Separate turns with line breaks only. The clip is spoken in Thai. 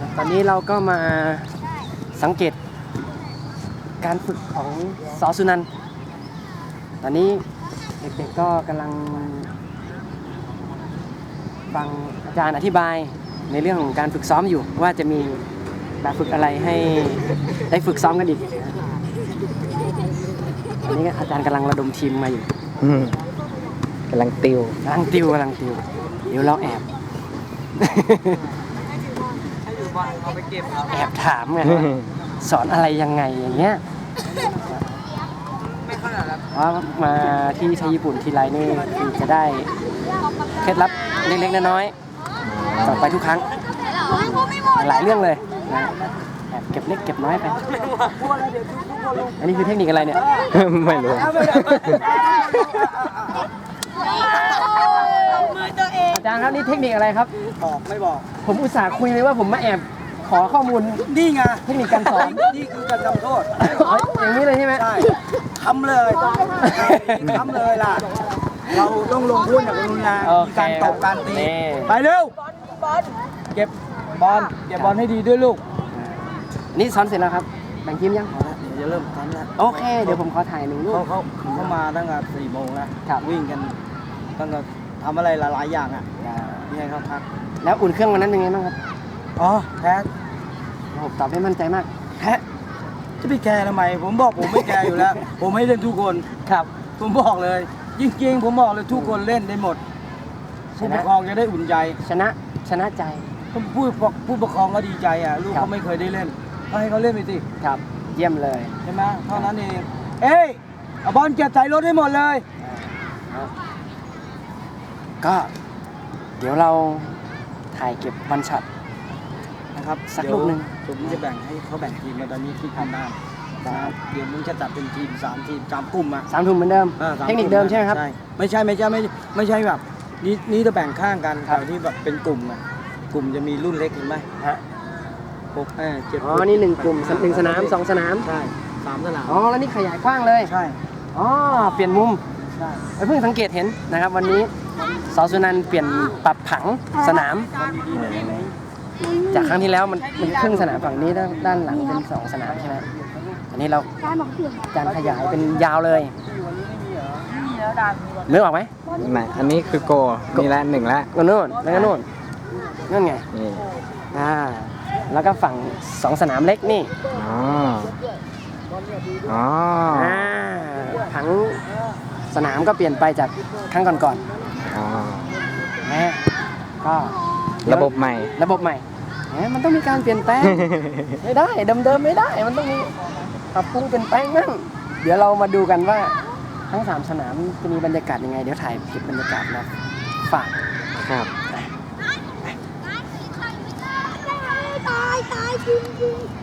ตอนนี้เราก็มาสังเกตการฝึกของส.สุนันท์ตอนนี้เด็กๆก็กำลังฟังอาจารย์อธิบายในเรื่องของการฝึกซ้อมอยู่ว่าจะมีแบบฝึกอะไรให้ได้ฝึกซ้อมกันอีกตอนนี้อาจารย์กำลังระดมทีมมาอยู่
กำลังติว
เดี๋ยวเราแอบแอบถามไงสอนอะไรยังไงอย่างเงี้ยว่ามาที่ไทยญี่ปุ่นทีไรนี่คือจะได้เคล็ดลับเล็กๆน้อยๆต่อไปทุกครั้งหลายเรื่องเลยนะแอบเก็บเล็กเก็บน้อยไปอันนี้คือเทคนิคอะไรเนี่ย
ไม่รู้
อาจารย์ครับนี่เทคนิคอะไรครับ
ไม่บอก
ผมอุตส่าห์คุยเลยว่าผมมาแอบขอข้อมูล
นี่ไง
เทคนิคการสอน
นี่คือการทำโทษ
อย่างนี้เลยใช่ไหม
ใช่ทำเลยล่ะเราต้องลงทุนอย่างรุนแรงมีการตบการตีไปเร็วเก็บบอลให้ดีด้วยลูก
นี่สอนเสร็จแล้วครับแบ่งทีมยัง
เดี๋ยวจะเริ่มซ้อมแล้ว
โอเคเดี๋ยวผมขอถ่ายหนึ่งรูป
เขามาตั้งแต่4 โมงแล้ววิ่งกันตั้งแต่ทำอะไรหลายอย่างอ่ะนี่ไงครับพัก
แล้วอุ่นเครื่องวันนั้นเป็นไงบ้างครับ
อ๋อแพ้
ผมตอบได้มั่นใจมาก
แพ้จะไปแคร์ทำไมผมบอกผมไม่แคร์อยู่แล้วผมให้เล่นทุกคน
ครับ
ผมบอกเลยจริงๆผมบอกเลยทุกคนเล่นได้หมดผู้ปกครองจะได้อุ่นใจ
ชนะใจ
ผู้ปกครองก็ดีใจอ่ะลูกเขาไม่เคยได้เล่นก็ให้เขาเล่นไปสิ
ครับเยี่ยมเลย
ใช่ไหมเท่านั้นเองเอ้ยเอาบอลเก็บใส่รถให้หมดเลย
ก็เดี๋ยวเราถ่ายเก็บวันช็อต
นะครับ
สักลูกหนึ่ง
ผมจะแบ่งให้เขาแบ่งทีมมาตอนนี้ที่ทำได้เดี๋ยวมึงจะจัดเป็นทีม3 ทีม3 กลุ่มอ่ะ
3 กลุ่มเหมือนเดิมเทคนิคเดิมใช่ไหมครับ
ไม่ใช่แบบนี่จะแบ่งข้างกันแต่ที่แบบเป็นกลุ่มอ่ะกลุ่มจะมีรุ่นเล็กเห็นไหม
ฮะ
6 7
อ๋อนี่1 กลุ่ม1 สนาม2 สนาม
ใช่3 สนาม
อ๋อแล้วนี่ขยายกว้างเลย
ใช่
อ๋อเปลี่ยนมุม
ใช่
เพิ่งสังเกตเห็นนะครับวันนี้ส.สุนันท์เปลี่ยนปรับผังสนามจากครั้งที่แล้วมันครึ่งสนามฝั่งนี้ด้านหลังเป็น2 สนามใช่ไหมอันนี้เราการขยายเป็นยาวเลยนึกออกไหม
ไหนอันนี้คือโกนี่ละ1ละ
นู่นแล้วก็นู่นไงแล้วก็ฝั่ง2 สนามเล็กนี่ผังสนามก็เปลี่ยนไปจากครั้งก่อนก็
ระบบใหม่
มันต้องมีการเปลี่ยนแปลงไม่ได้เดิมไม่ได้มันต้องมีปรับปรุงเปลี่ยนแปลงนั่นเดี๋ยวเรามาดูกันว่าทั้ง3 สนามจะมีบรรยากาศยังไงเดี๋ยวถ่ายคลิปบรรยากาศนะฝาก
ครับ
ตายจริง